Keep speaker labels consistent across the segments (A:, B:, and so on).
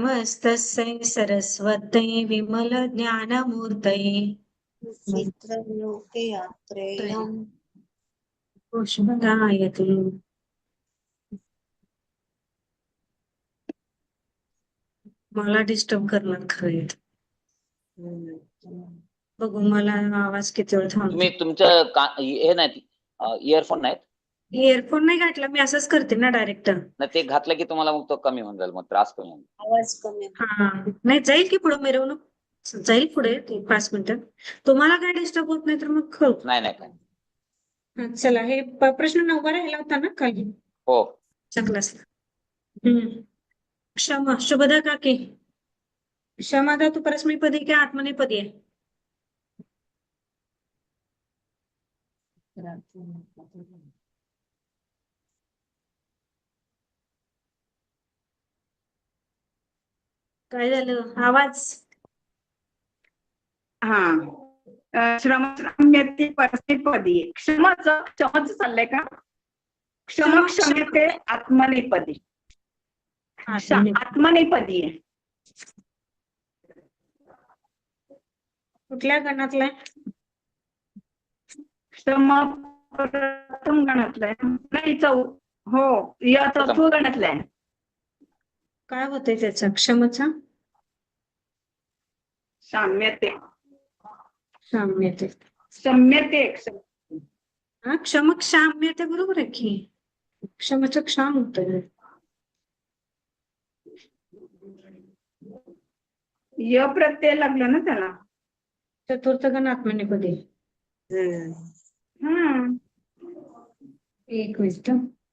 A: नमस्तस्यै सरस्वत्यै विमलज्ञानमूर्तये
B: चित्रलोकयात्रेयम्
A: पुष्पदायते। मला डिस्टर्ब करणार खरं. बघू मला आवाज किती वेळ थांबतो.
C: तुम्ही तुमचं हे नाही इयरफोन नाहीत?
A: इयरफोन नाही घातला मी, असंच करते ना डायरेक्ट.
C: ना ते घातलं की तुम्हाला मग तो कमी होऊन जाईल, मग त्रास कमी होईल.
B: आवाज कमी.
A: हा नाही जाईल की पुढे मिरवणूक जाईल पुढे 5 मिनिटं. तुम्हाला काय डिस्टर्ब होत नाही तर मग करू.
C: नाही नाही काय.
A: चला हे प्रश्न 9 राहिला होता ना खाली.
C: हो
A: क्लासला. क्षमा शुभदा काकी. क्षमा धातू परस्मैपदी की आत्मनेपदी आहे? काय झालं आवाज?
D: श्रमसाम्यते परस्मैपदी. क्षमच चाललंय का? क्षमक्षम्यते आत्मनेपदी. आत्मनेपदी आहे.
A: कुठल्या गणातला?
D: क्षम प्रथम गणातलाय नाही हो या चौथ्या गणातलाय.
A: काय होतंय त्याचा क्षमचा?
D: साम्यते.
A: साम्यते.
D: सम्यते.
A: हा क्षम क्षाम्यते बरोबर आहे की. क्षमच क्षाम होतंय.
D: य प्रत्यय लागला ना त्याला.
A: चतुर्थ गण आत्मनेपदी. एक मिनिट.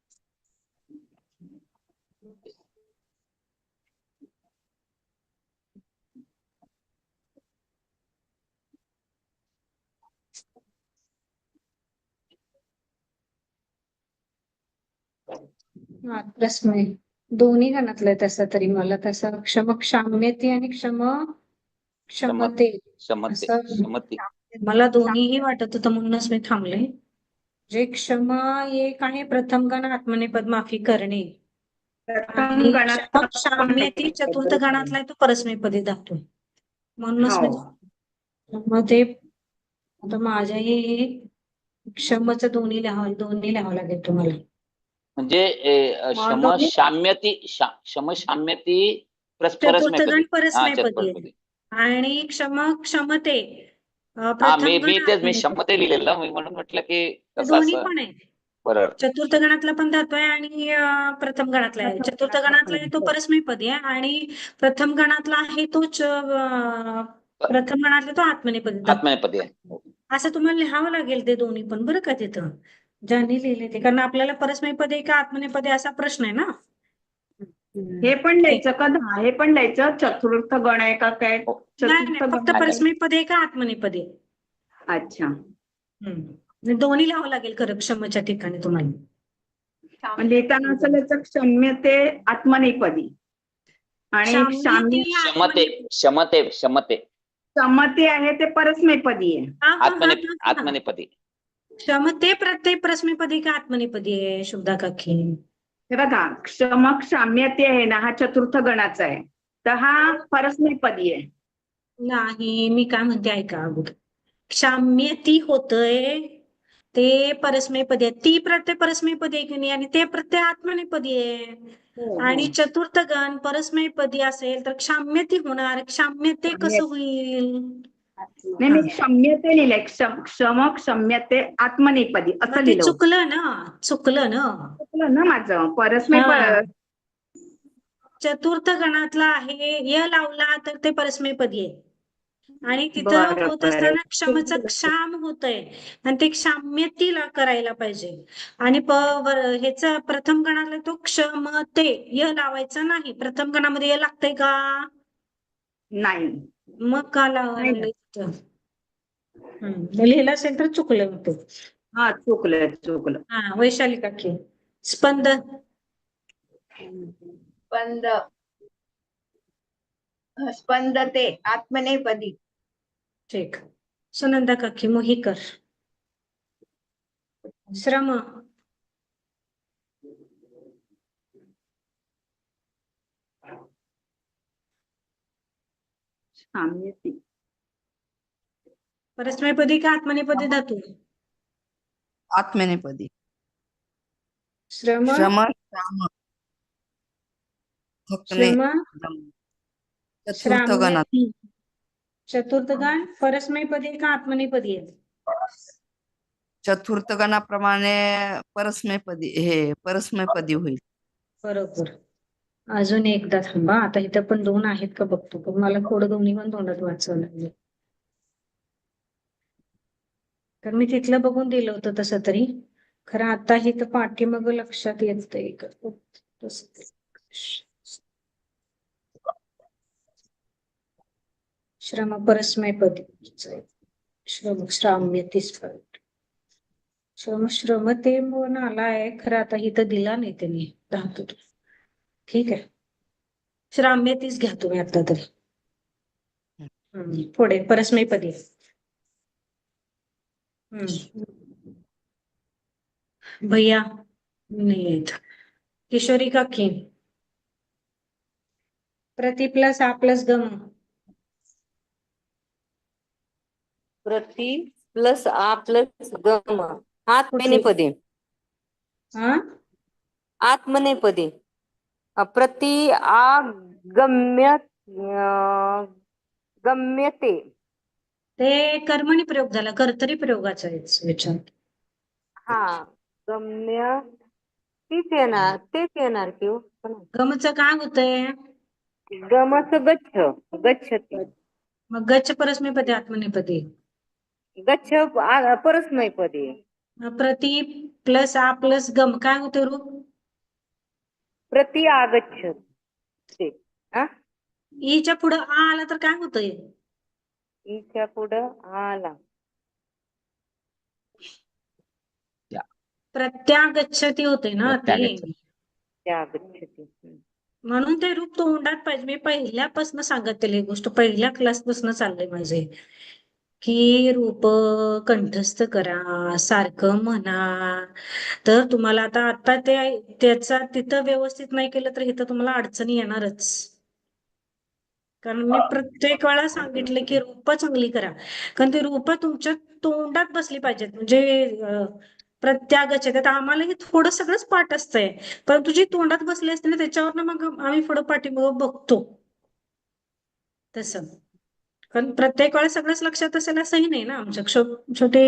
A: प्रश्न दोन्ही गणातलं आहे तसं तरी मला तसं क्षम क्षाम्यते आणि क्षमते मला दोन्हीही वाटत होतं म्हणूनच मी थांबले. जे क्षमा एक आहे प्रथम गण आत्मनेपद माफी करणे आणि क्षाम्यते चतुर्थ गणातला आहे तो परस्मैपदी धातू म्हणूनच मी मग ते आता माझ्याही क्षमच दोन्ही लिहावं लागेल तुम्हाला.
C: म्हणजे क्षमशाम्यती
A: चतुर्थ गण परस्मैपदी आणि क्षमते
C: मी क्षमते लिहिलेलं मी म्हणून म्हटलं की
A: दोन्ही पण आहे.
C: बरोबर.
A: चतुर्थ गणातला पण धातू आहे आणि प्रथम गणातला आहे. चतुर्थ गणातला आहे तो परस्मैपदी आहे आणि प्रथम गणातला आहे तोच प्रथम गणातला तो आत्मनेपदी आहे. असं तुम्हाला लिहावं लागेल ते दोन्ही पण बरं का तिथं ज्यांनी लिहिले ते, कारण आपल्याला परस्मैपदी का आत्मनेपदी असा प्रश्न आहे ना.
D: हे पण लिहायचं का? हे पण लिहायचं चतुर्थ गण आहे का काय?
A: फक्त परस्मैपदी का आत्मनेपदी.
D: अच्छा
A: दोन्ही लिहावं लागेल खरं क्षमच्या ठिकाणी तुम्हाला.
D: लिहिताना असं लिहायचं क्षम्यते आत्मनेपदी आणि क्षमते आहे ते परस्मैपदी आहे.
C: आत्मनेपदी.
A: क्षमते प्रत्यय परस्मैपदी का आत्मनेपदी आहे शुभदा काकी?
D: हे बघा क्षम्यते आहे ना हा चतुर्थ गणाचा आहे तर हा परस्मैपदी आहे.
A: नाही मी काय म्हणते ऐका अगोदर. क्षाम्यती होतय ते परस्मैपदी आहे. ती प्रत्यय परस्मैपदी आहे की नाही आणि ते प्रत्यय आत्मनेपदी आहे आणि चतुर्थ गण परस्मैपदी असेल तर क्षाम्यती होणार. क्षाम्यते कसं होईल?
D: नाही मी क्षम्यते लिहिलंय. क्षम्यते आत्मनेपदी असं लिहिलं.
A: चुकलं ना
D: माझं परस्मैपदी.
A: चतुर्थ गणातला आहे य लावला तर ते परस्मैपदी आहे आणि तिथं होत असताना क्षमच क्षाम होतय आणि ते क्षाम्यतीला करायला पाहिजे आणि ह्याच प्रथम गणाला तो क्षमते य लावायचा नाही. प्रथम गणामध्ये य लागतंय का?
D: नाही.
A: मग का लावायला? लिहिलं असेल तर चुकलं होतं.
D: चुकलं.
A: वैशाली काकी.
B: स्पंदते आत्मनेपदी.
A: ठीक. सुनंदा काकी मोहीकर. श्रम
D: शाम्यती.
A: परस्मैपदी का आत्मनेपदी धातू?
E: आत्मनेपदी.
A: श्रम
E: श्रम श्राम थकणे
A: श्रम
E: दम. चतुर्थ गणात.
A: श्राम्यती. चतुर्थ गण परस्मैपदी का आत्मनेपदी आहे?
E: चतुर्थ गणाप्रमाणे परस्मैपदी होईल.
A: बरोबर. अजून एकदा थांबा, आता इथं पण दोन आहेत का बघतो, पण मला थोडं दोन्ही पण तोंडात वाचावं लागेल. कारण मी तिथलं बघून दिलं होतं तसं तरी, खरं आता ही तर पाठीमाग लक्षात येतंय. श्रम परस्मैपदी. श्राम्यती स्फट. श्रमते म्हणून आलाय, खरं आता इथं दिला नाही त्यांनी धातू. ठीक आहे, श्राम्यतीच घ्या तुम्ही आता तरी. पुढे परस्मैपदी. भैया नाही येत. किशोरी काकी. प्रति प्लस आ प्लस गम.
F: प्रति प्लस आ प्लस गम. आत्मनेपदी.
A: हा
F: आत्मनेपदी. प्रति आ गम्य गम्यते.
A: ते कर्मणी प्रयोग झाला, कर्तरी प्रयोगाचा विचार.
F: हा गम्य तेच येणार की हो.
A: गमचं काय होतंय?
F: गमच गच्छति.
A: मग गच्छ परस्मैपदी आत्मनेपदी.
F: गच्छ परस्मैपदी.
A: प्रति प्लस आ प्लस गम काय होते रूप?
F: प्रति आगच्छते.
A: ईच्या पुढं आ आला तर काय होतंय?
F: ईच्या पुढं आला
A: प्रत्यागच्छती होते ना ते.
C: प्रत्यागच्छति.
F: त्यागच्छति.
A: म्हणून ते रूप तोंडात पाहिजे. मी पहिल्यापासून सांगत ही गोष्ट, पहिल्या क्लासपासून चाललंय माझे, की रूप कंठस्थ करा, सारखं म्हणा. तर तुम्हाला आता त्याचा तिथं व्यवस्थित नाही केलं तर इथं तुम्हाला अडचणी येणारच. कारण मी प्रत्येक वेळा सांगितलं की रूप चांगली करा, कारण ती रूप तुमच्या तोंडात बसली पाहिजेत. म्हणजे प्रत्यागच्छते. आता आम्हाला हे थोडं सगळंच पाठ असतंय, परंतु जी तोंडात बसली असते ना त्याच्यावर मग आम्ही पुढं पाठीमागं बघतो तसं. कारण प्रत्येक वेळेस सगळंच लक्षात असेल असंही नाही ना. आमच्या छोटे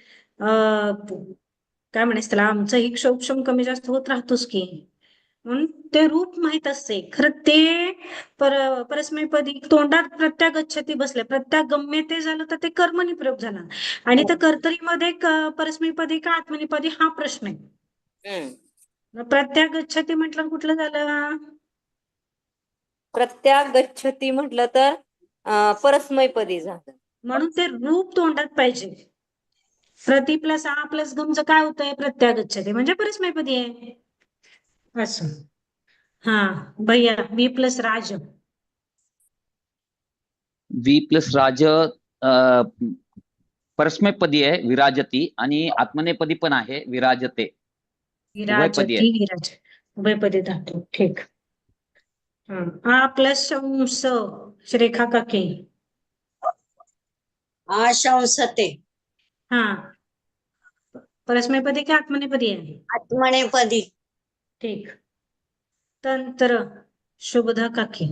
A: काय म्हणायचं त्याला, आमचंही क्षोभक्षम कमी जास्त होत राहतोच की. म्हणून ते रूप माहित असते. खरं ते परस्मैपदी तोंडात प्रत्यागच्छती बसले, प्रत्यागम्य ते झालं तर ते कर्मणी प्रयोग झाला. आणि त्या कर्तरीमध्ये परस्मैपदी का आत्मनेपदी हा प्रश्न आहे. प्रत्यागच्छती म्हटलं कुठलं झालं?
F: प्रत्यागच्छति म्हटलं तर परस्मैपदी झालं.
A: म्हणून ते रूप तोंडात पाहिजे. प्रति प्लस आ प्लस गमचं काय होतंय? प्रत्यागच्छते म्हणजे परस्मैपदी आहे असं. हा भैया बी प्लस राज.
C: वी प्लस राज परस्मैपदी आहे विराजती, आणि आत्मनेपदी पण आहे विराजते. उभयपदी आहे.
A: विराजती विराज उभयपदी धातू. ठीक. आ प्लस शंस श्रेखा काकी.
B: आशंसते.
A: हा परस्मैपदी की आत्मनेपदी आहे?
B: आत्मनेपदी.
A: ठीक. तंत्र शुभदा काकी.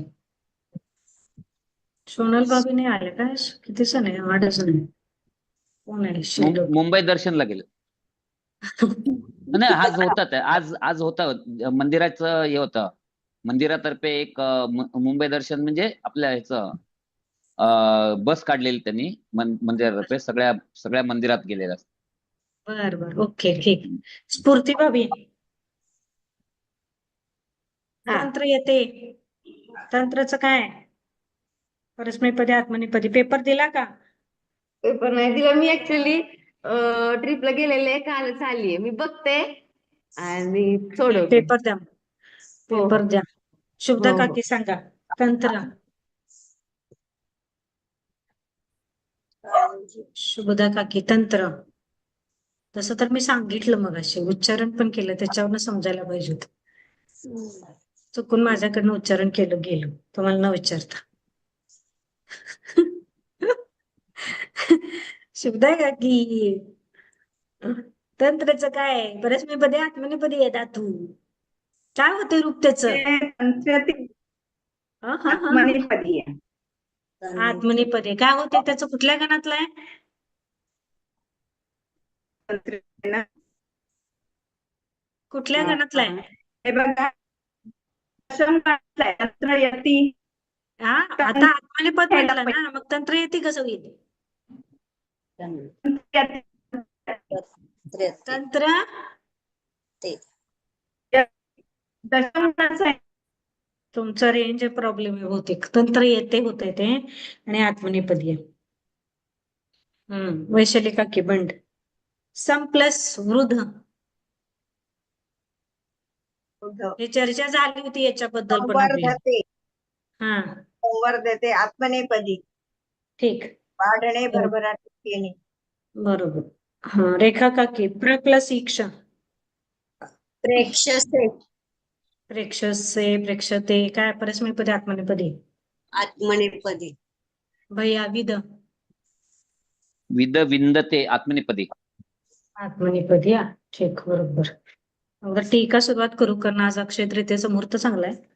A: सोनल भाभी नाही आले काय? किती सण आहे? 8 सण आहे. कोण आहे शिल्लक?
C: मुंबई दर्शनला गेले. नाही, आज होतात. आज होता मंदिराचं हे होतं. मंदिरातर्फे एक मुंबई दर्शन म्हणजे आपल्या ह्याचं बस काढलेली त्यांनी मंदिरातर्फे. सगळ्या मंदिरात गेलेलं.
A: बर ओके ठीक. स्फूर्ती भाभी. तंत्र येते. तंत्रच काय? परस्मैपदी आत्मनेपदी. पेपर दिला का?
G: पेपर नाही दिला मी. ऍक्च्युली ट्रिपला गेलेले, कालच आलीये. मी बघते आणि सोडवते.
A: पेपर द्या. पेपर द्या. शुभदा
G: हो.
A: काकी सांगा. तंत्र. शुभदा काकी तंत्र. तसं तर मी सांगितलं मगाशी, उच्चारण पण केलं, त्याच्यावरनं समजायला पाहिजे होतं. चुकून माझ्याकडनं उच्चारण केलं गेलं, तुम्हाला न विचारता. शब्द आहे का की तंत्रच काय परस्मैपदी आत्मनेपदी आहे धातू काय होते रूप त्याच
D: ते तंत्र ते आत्मनेपदी आहे.
A: आत्मनेपदी काय होते त्याचं कुठल्या गणातलं आहे
D: तंत्र आहे ना.
A: कुठल्या गणातलं आहे
D: हे बघा दशम गणातलं आहे. तंत्र यती
A: हा आता आत्मनेपद म्हटलं ना मग तंत्र येते कसं होईल तंत्र
D: दशम गणाचं आहे.
A: तुमचा रेंज प्रॉब्लेम आहे बहुतेक तंत्र येते होते ते आणि आत्मनेपदी आहे वैशाली काकी बंड सम प्लस वृद्ध हे चर्चा झाली होती याच्याबद्दल पण आपली
B: संवर्धते
A: हा
B: संवर्धते आत्मनेपदी
A: ठीक
B: वाढणे भरभराट येणे.
A: बरोबर हा रेखा काकी प्र प्लस इक्ष
B: प्रेक्षसे
A: प्रेक्षसे प्रेक्षते काय परस्मैपदी आत्मनेपदी
B: आत्मनेपदी
A: भैया विद
C: विद विंदते आत्मनेपदी.
A: आत्मनेपदी ठीक बरोबर अगोदर टीका सुरुवात करू कारण आज अक्षय तृतीयेचा मुहूर्त चांगला आहे